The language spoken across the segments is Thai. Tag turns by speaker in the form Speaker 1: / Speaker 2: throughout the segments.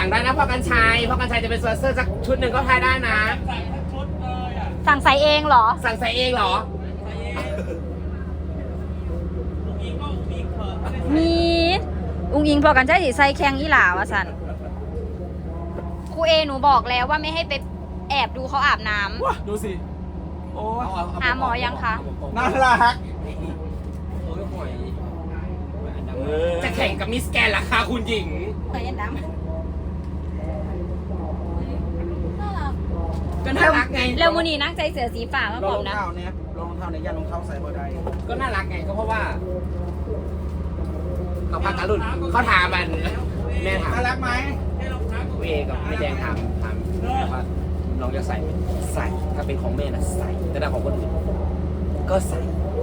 Speaker 1: สั่งได้นะพ่อกันชัยจะเป็นสปอนเซอร์สักชุดหนึ่งก็ทายได้นะ
Speaker 2: สั่งใส่เองเหรอ
Speaker 1: สั่งใส่เองเหรอ
Speaker 2: มีอุ้งอิงพอกันใช่สิใส่แข่งอีหลาวะสันครูเอหนูบอกแล้วว่าไม่ให้ไปแอบดูเขาอาบน้ำ
Speaker 3: ว้าดูสิโอ้ย
Speaker 2: หาหมอยังคะ
Speaker 3: น่ารัก
Speaker 1: จะแข่งกับมิสแกนราคาคุณหญิง
Speaker 2: เหมือนยันดำ
Speaker 1: ก็น่ารักไง
Speaker 2: เร็วมูนีนั่งใจเสือสีฟ้ามา
Speaker 3: ล
Speaker 2: บ
Speaker 3: อ
Speaker 2: อง ก
Speaker 3: รอง
Speaker 2: นะ
Speaker 3: เท้าเนี่ยลองรองเท้าเนี่ยยันรองเท้าใส่บ่ได้
Speaker 1: ก็น่ารักไงก็เพราะว่าเขาพักการุนเขาถามมันแม่ถาม
Speaker 3: น่ารักไหม
Speaker 1: เอกับแม่แดงถามว่าน้องจะใส่ไหมใส่ถ้าเป็นของแม่น่ะใส่แต่ถ้าของคนอื่นก็ใส่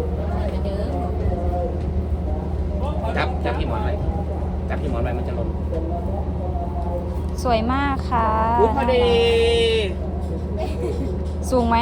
Speaker 1: จับพี่หมอนไว้จับพี่หมอนไว้มันจะลง
Speaker 2: สวยมากค่ะ
Speaker 1: พอดี
Speaker 2: สูงไหม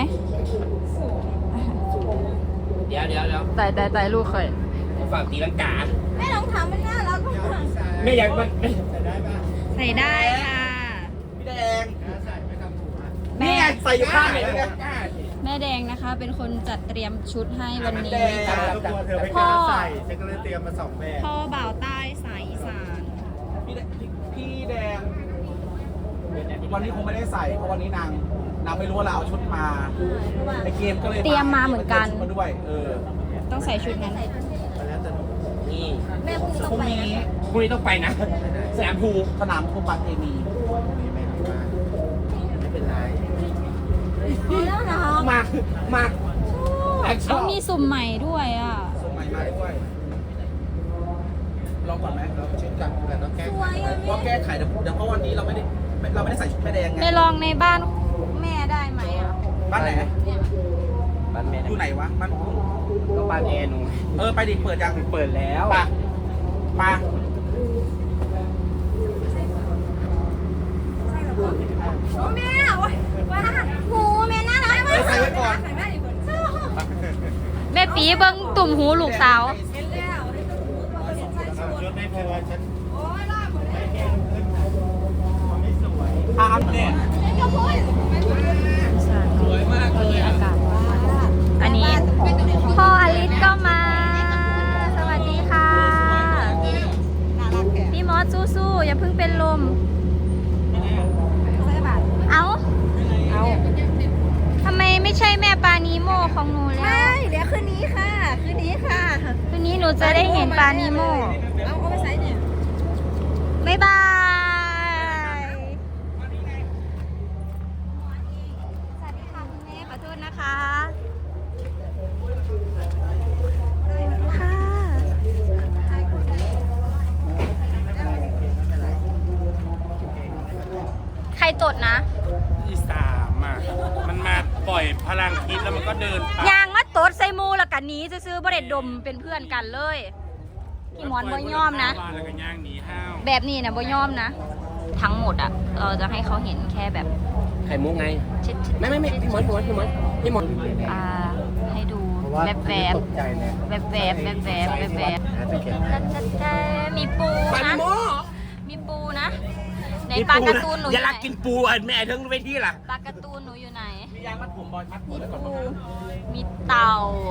Speaker 1: เดี๋ยว
Speaker 2: แต่ลูกเคย
Speaker 1: ฝากตีลังกา
Speaker 4: แม่ลองถามมันน่ารักมาก
Speaker 1: แม่อยากมัน
Speaker 2: ใส่ได้ค่ะ
Speaker 3: พี่แดง
Speaker 2: แม่
Speaker 3: ใส่อยู่ข้างไหนเนี่ย
Speaker 2: แม่แดงนะคะ เป็นคนจัดเตรียมชุดให้วันนี้
Speaker 3: ทุกคนเธอไม่กล้าใส่ฉันก็เลยเตรียมมา2 แบบ
Speaker 2: พ่อบ่าวใต้สายอีสาน
Speaker 3: พี่แดงวันนี้คงไม่ได้ใส่เพราะวันนี้นางไม่รู้ว่าเราเอาชุดมาไอเกมก็เลย
Speaker 2: เตรียมมาเหมือนกัน
Speaker 3: มาด้วย
Speaker 2: ต้องใส่ชุดนั้น
Speaker 1: นี่
Speaker 4: แม่พุ่ง
Speaker 3: พ
Speaker 4: ต้อง
Speaker 3: รุ่ง
Speaker 4: ไป
Speaker 3: นี้
Speaker 1: พรุ่งนี้ต้องไปนะสนามภู
Speaker 3: สนามโคปัตเอมี
Speaker 1: ไม่เป็นไร
Speaker 4: แล้วนะ
Speaker 1: มาแอคชั่
Speaker 2: เอา
Speaker 1: น
Speaker 2: มีสุ่มใหม่ด้วยอ่ะ
Speaker 3: ส่งใหม่มาด้วยลองก่อนไหมเราเช็คกันแต่ต้องแก้
Speaker 4: สวยอ่ะ
Speaker 3: ว่าแก้ไขเดี๋ยวเพราะวันนี้เราไม่ได้ใส่ชุดแม่แดงไง
Speaker 2: ไปลองในบ้านแม่ได้ไหมอ่ะ
Speaker 3: บ้านไหน
Speaker 1: บ้านแม่
Speaker 3: อยู่ไหนวะบ้านกุ้ง
Speaker 1: ก็บ้านแอร์หนู
Speaker 3: ไปดิเปิดยัง
Speaker 1: เปิดแล้ว
Speaker 3: ปะ
Speaker 4: โอ้แม่ว้าหูแม่น่ารักมาก
Speaker 3: ใส่ไว้ก่อน
Speaker 2: แม่ปีเบิ้งตุ่มหูลูกสาว
Speaker 3: ชุดไม่พอฉัน
Speaker 4: โอ้ยล่าหมดเลย
Speaker 3: เนี่ย
Speaker 1: สวยมากเลย
Speaker 2: อากาศอันนี้พ่ออลิสก็มา สวัสดีค่ะ พี่มอสสู้ๆอย่าเพิ่งเป็นลม เอาทำไมไม่ใช่แม่ปานีโมของหนูแล้ว
Speaker 4: ใช่เดี๋ยวคืนนี้ค่ะ คืนนี้ค่ะ
Speaker 2: คืนนี้หนูจะได้เห็นปานีโม
Speaker 4: เอาไปใส่เนี่ย
Speaker 2: บ๊ายบาย สวัสดีค่ะคุณแม่ขอโทษนะคะค่ะใครตดนะ
Speaker 5: ที่3อ่ะมันมาปล่อยพลังคิดแล้วมันก็เดินไป
Speaker 2: ยางมาตดใส่หมูแล้วกันนี้ซื้อๆบ่ได้ดมเป็นเพื่อนกันเลยพี่หมอนบ่ยอมนะ
Speaker 5: แล้วก็ย่างหนีห้าว
Speaker 2: แบบนี้นะบ่ยอมนะ ทั้งหมดอ่ะ เราจะให้เขาเห็นแค่แบบ
Speaker 1: ไข่มุกไง
Speaker 2: ชิด
Speaker 1: ไม่พี่หมอน
Speaker 2: ให้ดูแวบๆมีปู
Speaker 1: ปานิ
Speaker 2: นะ
Speaker 1: โม
Speaker 2: มีปูนะในปลาการ์ตูนหนูอ
Speaker 1: อย่า
Speaker 2: ยู่ไหน
Speaker 1: รักกินปูแม่ทั้งเวทีล่ะ
Speaker 2: ปลาการ์ตูนหนูอยู่ไหน
Speaker 3: มียางมัดผมบอลมัดผม
Speaker 2: มี
Speaker 3: แล้วก่อน
Speaker 2: ปูมีเต่า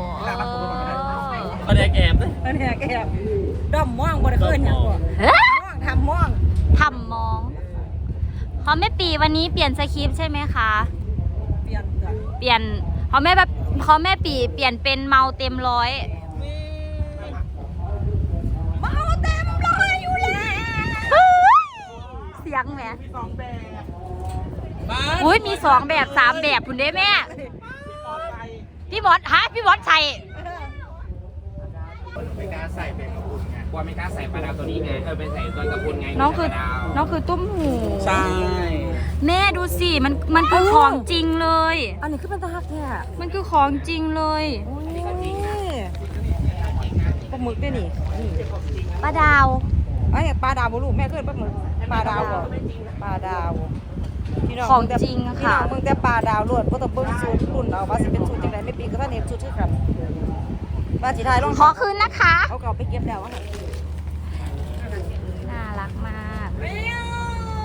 Speaker 1: เอาแดกแอบเลย
Speaker 4: อันนี้แกด้อมม่วงบริเวณอย่างกว่า
Speaker 2: เฮ้ย
Speaker 4: ม่วงทำม่วง
Speaker 2: ทำมองเขาแม่ปีวันนี้เปลี่ยนสคริปต์ใช่ไหมคะ
Speaker 4: เปลี่ยนจ้ะ
Speaker 2: เปลี่ยนเขาแม่ปีเปลี่ยนเป็นเมาเต็มร้อย
Speaker 4: เมาเต็มร้อยอยู่แล้ว
Speaker 2: เสียงแหม
Speaker 3: 2 แบบ
Speaker 2: อุ้ยมี2 แบบ3 แบบคุณเด้แม่ พี่บอสใส่
Speaker 3: ไม่กล้าใส่เป็นกระปุกไง
Speaker 1: กลัวไม่กล้าใส่ปลาดาวตัวนี้ไงไปใส่ตัวตะกุนไง
Speaker 2: น้องคือ
Speaker 1: ปลาดาว
Speaker 2: ตุ้มหู
Speaker 3: ใช่
Speaker 2: แม่ดูสิมันคือของจริงเลย
Speaker 4: อันนี้คือเป็นตาหักเนี่ย
Speaker 2: มันคือของจริงเลย
Speaker 4: โอ้ยปลาหมึกด้วยนี่
Speaker 2: ป้าดาว
Speaker 4: ไอ้ปลาดาวบุรุษแม่เคยปลาหมึกปลาดาวก่อนปลาดาวพี่น้
Speaker 2: ของจริง
Speaker 4: พี่
Speaker 2: ค่ะ
Speaker 4: น้องมึงแต่ปลาดาวลวดเพราะต้องเบิ้งสูตรรุ่นเอาว่าสิเป็นสูตรจังไดไม่ปีก็ท่านเห็นสูตรชื่อครับว่าสิทายลง
Speaker 2: ขอคืนนะคะ
Speaker 4: เขาเก่าไปเก็บแล้วอะค่ะ
Speaker 2: น่ารักมาก
Speaker 4: ส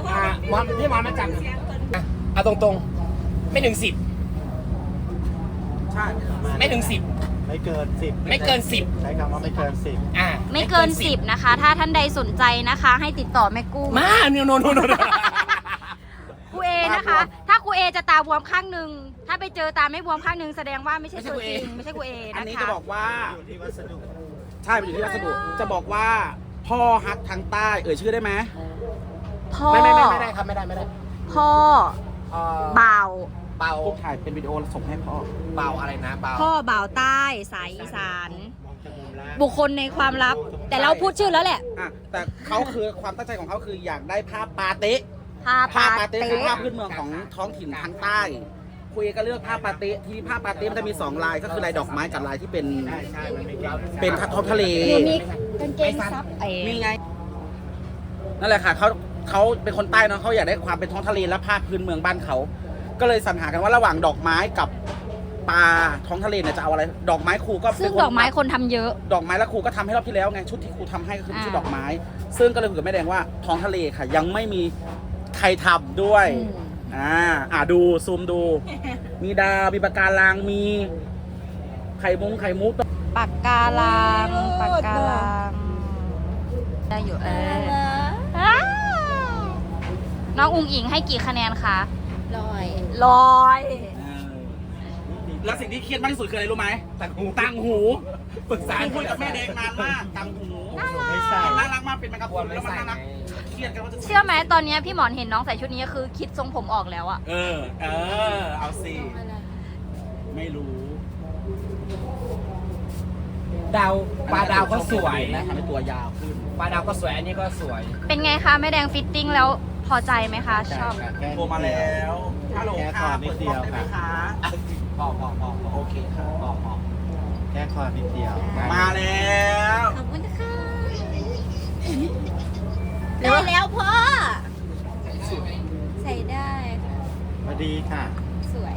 Speaker 1: พี่หมอนมาจับเอาตรงๆไม่ถึง10
Speaker 3: ใช่
Speaker 1: ไม่ถึง10
Speaker 6: ไม่เกิน 10
Speaker 1: ไม่เกิน10
Speaker 6: ใช้คำว่าไม่เกิน 10
Speaker 2: ไม่เกิน 10 นะคะ ถ้าท่านใดสนใจนะคะ ให้ติดต่อแม่กุ้ง
Speaker 1: มาโน
Speaker 2: ครูเอนะคะ ถ้าครูเอจะตาบวมข้างหนึ่งถ้าไปเจอตาไม่บวมข้างหนึ่งแสดงว่าไม่ใช่ตัวจริงไม่ใช่ครูเอ
Speaker 3: อัน
Speaker 2: นะ
Speaker 3: นี้
Speaker 2: คะ
Speaker 3: จะบอกว่า
Speaker 6: อยู่ที่วัสดุ
Speaker 3: ใช่มันอยู่ที่วัสดุจะบอกว่าพ่อฮักทางใต้ชื่อได้ไหม
Speaker 2: พ่อ
Speaker 1: ไม่ได้ครับไม่ได้
Speaker 2: พ่อบ่าว
Speaker 1: เบา
Speaker 3: พวกถ่ายเป็นวิดีโอส่งให้พ่อ
Speaker 1: เบาอะไรนะเบา
Speaker 2: พ่อบ่าวใต้สายอีสาน
Speaker 6: มองจากมุมล่าง
Speaker 2: บุคคลในความลับ แต่เราพูดชื่อแล้วแหละ
Speaker 3: อ่ะแต่เขาคือความตั้งใจของเขาคืออยากได้ภาพปาเต๊ะ
Speaker 2: ผ้า
Speaker 3: ภาพ
Speaker 2: ปา
Speaker 3: ปาเต๊ะ
Speaker 2: เต๊
Speaker 3: คือภาพพื้นเมืองของท้องถิ่นทางใต้คุยก็เลือกภาพปาเต๊ะที่ภาพปาเต๊ะมันจะมี2ลายก็คือลายดอกไม้กับลายที่เป็น
Speaker 6: ใช่มันไม่เกี่ยว
Speaker 3: เป็นท้องทะเล
Speaker 2: หนูมีกางเกงซับไอ้
Speaker 3: นี่ไงนั่นแหละค่ะเขาเป็นคนใต้เนาะเขาอยากได้ความเป็นท้องทะเลและภาพพื้นเมืองบ้านเขาก็เลยสรรหากันว่าระหว่างดอกไม้กับปลาท้องทะเลเนี่ยจะเอาอะไรดอกไม้ครูก็
Speaker 2: ซึ่งดอกไม้คนทำเยอะ
Speaker 3: ดอกไม้แล้วครูก็ทำให้รอบที่แล้วไงชุดที่ครูทำให้ก็คือชุด
Speaker 2: อ่า
Speaker 3: ดอกไม้ ซึ่งก็เลยคุยกับแม่แดงว่าท้องทะเลค่ะ ยังไม่มีใครทำด้วยดูซูมดู มีดาวมีปะการังมีไข่มุก
Speaker 2: ปากกาลังปากกาลังได้อยู่อ้าวน้องอุงอิงให้กี่คะแนนคะร้อย
Speaker 3: แล้วสิ่งที่เครียดมากที่สุดคืออะไรรู้ไหมตังหูปรึกษาคุยกับแม่แดงนานมากตังหู
Speaker 6: ไม่ใส่
Speaker 3: น่ารักมากเป็นแมงกะพรุนแล้วมันน่ารักเครียดกันว่าจะ
Speaker 2: เชื่อไหมตอนนี้พี่หมอนเห็นน้องใส่ชุดนี้คือคิดทรงผมออกแล้วอะ
Speaker 3: เอาสิไม่รู้
Speaker 1: ดาวปลาดาวก็สวย
Speaker 3: นะทำให้ตัวยาวขึ้น
Speaker 1: ปลาดาวก็สวยอันนี้ก็สวย
Speaker 2: เป็นไงคะแม่แดงฟิตติ้งแล้วพอใจไหมคะ ชอบ
Speaker 3: โทรมาแล้วฮัลโหล
Speaker 6: แค่ค
Speaker 3: ค่ะ
Speaker 6: อนิดเดียว
Speaker 3: ปิกล้องได้ไหม
Speaker 6: ค่ะ
Speaker 3: คะพอโอเคค่ะพอ
Speaker 6: แค่คอนิดเดียว
Speaker 3: มาแล้ว
Speaker 2: ขอบคุณค่ะได้แล้วพ่อ ใส่ได้ค่ะ
Speaker 6: พอดีค่ะ
Speaker 2: สวย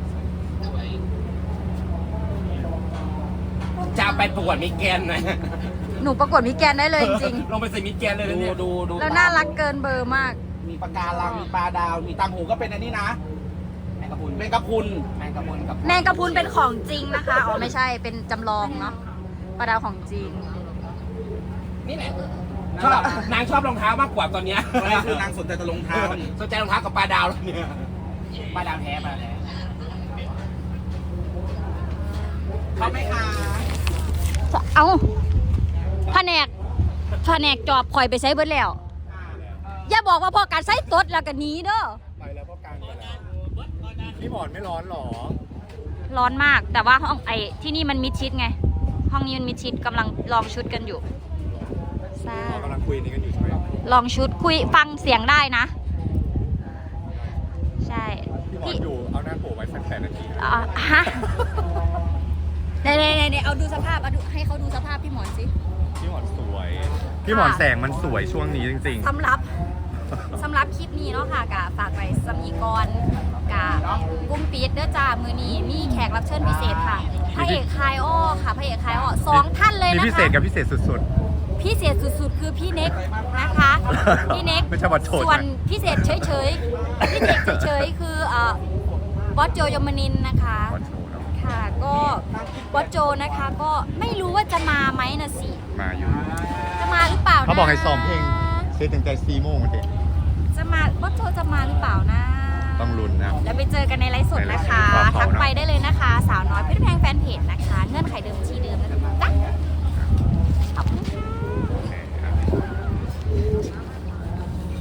Speaker 1: จะไปประกวดมิสแกรนด์หน่อย
Speaker 2: หนูประกวดมิสแกรนด์ได้เลยจริง
Speaker 1: ลงไปใส่มิสแกรนด์เลยนะเนี่ย
Speaker 3: ดู
Speaker 2: ๆ แล้วน่ารักเกินเบอร์มาก
Speaker 3: มีปลาการังมีปลาดาวมีตังหูก็เป็นอันนี้นะ
Speaker 1: แมงกะพรุน
Speaker 3: แมงกะพรุน
Speaker 1: แมงกะพรุนกับ
Speaker 2: แมงกะพรุนเป็นของจริงนะคะ อ๋อไม่ใช่ เป็นจำลองเนาะปลาดาวของจริง
Speaker 1: นี่แหละชอบนางชอบรองเท้ามากกว่าตอนเนี้ย
Speaker 3: ตอนนี้คือนางสนใจแต่รองเท้านี่
Speaker 1: สนใจรองเท้ากับปลาดาวแล้วเนี่ยปลาดาวแท้ปลาดาวแท้
Speaker 3: เขาไหมคะ
Speaker 2: เอาแผนกจอบคอยไปใช้เบิดแล้ว อย่าบอกว่าพอการใช้ตดแล้วก็หนีเด้อ
Speaker 6: ไปแล้วก็กลางไปแล้วพี่หมอนไม่ร้อนหรอ
Speaker 2: ร้อนมาก แต่ว่าห้องที่นี่มันมิดชิดไง ห้องนี้มันมิดชิดกำลังลองชุดกันอยู่ใช่
Speaker 6: เรากำลังคุยนี้กันอยู่ใช่ไหม
Speaker 2: ลองชุดคุยฟังเสียงได้นะ ใช่
Speaker 6: พี่หมอนอยู่เอาหน้าโผล่ไว้8 นาที
Speaker 2: ฮะเดี๋ยวเอาดูสภาพให้เขาดูสภาพพี่หมอนสิ
Speaker 6: พี่หมอนสวย พี่หมอนแสงมันสวยช่วงนี้จริง
Speaker 2: สำหรับคลิปนี้เนาะค่ะกะฝากไปสมีกรกะกุ้มปีดเด้อจ้ามือนี้มีแขกรับเชิญพิเศษค่ะพระเอกคายอ้อค่ะพระเอกคายอ้อ
Speaker 6: ๆ
Speaker 2: 2 ท่านเลย
Speaker 6: มี
Speaker 2: นะคะ
Speaker 6: พิเศษกับพิเศษสุด
Speaker 2: พิเศษสุดๆ คือพี่เน็กนะคะ พี่เน็ก
Speaker 6: ไม่ใช่บอสโจนะ
Speaker 2: ส่วนพิเศษเฉยๆพี่เน็กเฉยๆคือบอสโจยมนินทร์นะคะ
Speaker 6: ๆวันโชว์เนาะ
Speaker 2: ค่ะก็บอสโจนะคะก็ไม่รู้ว่าจะมาไหมนะสิ
Speaker 6: มาอยู่
Speaker 2: จะมาหรือเปล่านะ
Speaker 6: เขาบอกให้ซ้อมเพลงเซตตั้งแต่4 โมงเด็ก
Speaker 2: จะมาบอสโจจะมาหรือเปล่านะ
Speaker 6: ต้องลุ้นนะ
Speaker 2: แล้วไปเจอกันในไลฟ์สดนะคะ
Speaker 6: ในไลฟ์สด
Speaker 2: ทักไปได้เลยนะคะ สาวน้อยเพชรแพงแฟนเพจนะคะ เงื่อนไขเดิมทีเดิม